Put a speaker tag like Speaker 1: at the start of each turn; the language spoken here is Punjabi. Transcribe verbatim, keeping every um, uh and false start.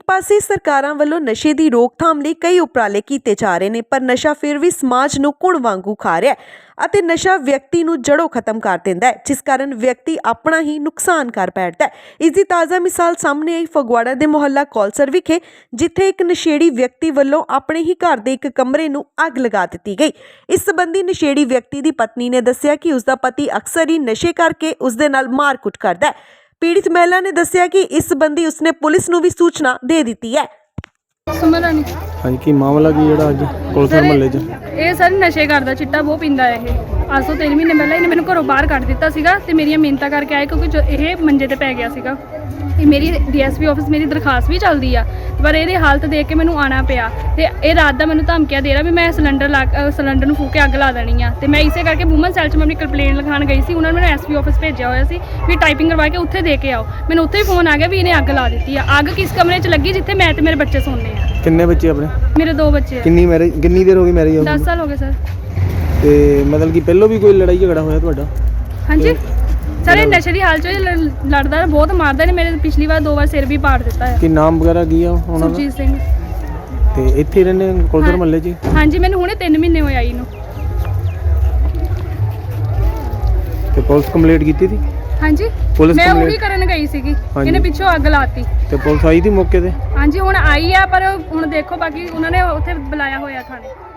Speaker 1: ਪਾਸੇ ਸਰਕਾਰਾਂ ਵੱਲੋਂ ਨਸ਼ੇ ਦੀ ਰੋਕਥਾਮ ਲਈ ਕਈ ਉਪਰਾਲੇ ਕੀਤੇ ਜਾ ਰਹੇ ਨੇ, ਪਰ ਨਸ਼ਾ ਫਿਰ ਵੀ ਸਮਾਜ ਨੂੰ ਕੁਣ ਵਾਂਗੂ ਖਾ ਰਿਹਾ ਹੈ ਅਤੇ ਨਸ਼ਾ ਵਿਅਕਤੀ ਨੂੰ ਜੜੋਂ ਖਤਮ ਕਰ ਦਿੰਦਾ ਹੈ, ਜਿਸ ਕਾਰਨ ਵਿਅਕਤੀ ਆਪਣਾ ਹੀ ਨੁਕਸਾਨ ਕਰ ਬੈਠਦਾ ਹੈ। ਇਸ ਦੀ ਤਾਜ਼ਾ ਮਿਸਾਲ ਸਾਹਮਣੇ ਆਈ ਫਗਵਾੜਾ ਦੇ ਮੁਹੱਲਾ ਕੌਲਸਰ ਵਿਖੇ, ਜਿੱਥੇ ਇੱਕ ਨਸ਼ੇੜੀ ਵਿਅਕਤੀ ਵੱਲੋਂ ਆਪਣੇ ਹੀ ਘਰ ਦੇ ਇੱਕ ਕਮਰੇ ਨੂੰ ਅੱਗ ਲਗਾ ਦਿੱਤੀ ਗਈ। ਇਸ ਸੰਬੰਧੀ ਨਸ਼ੇੜੀ ਵਿਅਕਤੀ ਦੀ ਪਤਨੀ ਨੇ ਦੱਸਿਆ ਕਿ ਉਸ ਦਾ ਪਤੀ ਅਕਸਰ ਹੀ ਨਸ਼ੇ ਕਰਕੇ ਉਸ ਦੇ ਨਾਲ ਮਾਰਕੁੱਟ ਕਰਦਾ ਹੈ। पीड़ित महिला ने दस्सिया कि इस संबंधी उसने पुलिस नूं भी सूचना दे दी है।
Speaker 2: हाँ की मामला की जेड़ा अज कौलसर महल्ले च
Speaker 3: ਇਹ ਸਰ ਨਸ਼ੇ ਕਰਦਾ, ਚਿੱਟਾ ਬਹੁਤ ਪੀਂਦਾ ਇਹ। ਅੱਜ ਤੋਂ ਤਿੰਨ ਮਹੀਨੇ ਪਹਿਲਾਂ ਇਹਨੇ ਮੈਨੂੰ ਘਰੋਂ ਬਾਹਰ ਕੱਢ ਦਿੱਤਾ ਸੀਗਾ ਤੇ ਮੇਰੀਆਂ ਮਿਹਨਤਾਂ ਕਰਕੇ ਆਏ, ਕਿਉਂਕਿ ਇਹ ਮੰਜੇ ਤੇ ਪੈ ਗਿਆ ਸੀਗਾ। ਇਹ ਮੇਰੀ ਡੀਐਸਪੀ ਆਫਿਸ ਮੇਰੀ ਦਰਖਾਸਤ ਵੀ ਚੱਲਦੀ ਆ, ਪਰ ਇਹਦੀ ਹਾਲਤ ਦੇਖ ਕੇ ਮੈਨੂੰ ਆਣਾ ਪਿਆ ਤੇ ਇਹ ਰਾਤ ਦਾ ਮੈਨੂੰ ਧਮਕੀਆਂ ਦੇ ਰਿਹਾ ਵੀ ਮੈਂ ਸਿਲੰਡਰ ਲਾ ਸਿਲੰਡਰ ਨੂੰ ਫੂਕ ਕੇ ਅੱਗ ਲਾ ਦੇਣੀ ਆ। ਤੇ ਮੈਂ ਇਸੇ ਕਰਕੇ ਵੂਮਨ ਸੈਲ 'ਚ ਮੈਂ ਆਪਣੀ ਕੰਪਲੇਂਟ ਲਿਖਾਉਣ ਗਈ ਸੀ। ਉਹਨਾਂ ਨੇ ਮੈਨੂੰ ਐਸਪੀ ਆਫਿਸ ਭੇਜਿਆ ਹੋਇਆ ਸੀ ਵੀ ਟਾਈਪਿੰਗ ਕਰਵਾ ਕੇ ਉੱਥੇ ਦੇ ਕੇ ਆਓ। ਮੈਨੂੰ ਉੱਥੇ ਹੀ ਫੋਨ ਆ ਗਿਆ ਵੀ ਇਹਨੇ ਅੱਗ ਲਾ ਦਿੱਤੀ ਆ। ਅੱਗ ਕਿਸ ਕਮਰੇ 'ਚ ਲੱਗੀ ਜਿੱਥੇ ਮੈਂ ਤੇ ਮੇਰੇ ਬੱਚੇ ਸੌਂਦੇ ਆ।
Speaker 2: किन्ने बच्चे अपने?
Speaker 3: मेरे दो बच्चे।
Speaker 2: किन्नी मैरिज किन्नी देर हो गई मैरिज?
Speaker 3: दस साल हो गए सर।
Speaker 2: ते मतलब कि पहलों भी कोई लड़ाई झगड़ा होया तुहाडा?
Speaker 3: हाँ जी सर, ये नशे की हालत च लड़दा है, बहुत मारदा है। मेरे पिछली बार दो बार सिर भी पाड़ दिता है।
Speaker 2: कि नाम वगैरह की है उन्हां दा?
Speaker 3: सुरजीत सिंह।
Speaker 2: ते इत्थे रहने कौलसर महल्ले च?
Speaker 3: हाँ जी, मैंने हुणे तीन महीने होए आई नूं।
Speaker 2: ते पुलिस कंप्लेंट कीती थी?
Speaker 3: हाँ जी, मैं वही करन गई सीगी, इन्हें पिछों अग लाती।
Speaker 2: ते पुलिस आई थी मौके ते?
Speaker 3: हाँ जी, हुण आई है, पर हुण देखो बाकी उन्होंने उत्थे बुलाया होया थाने।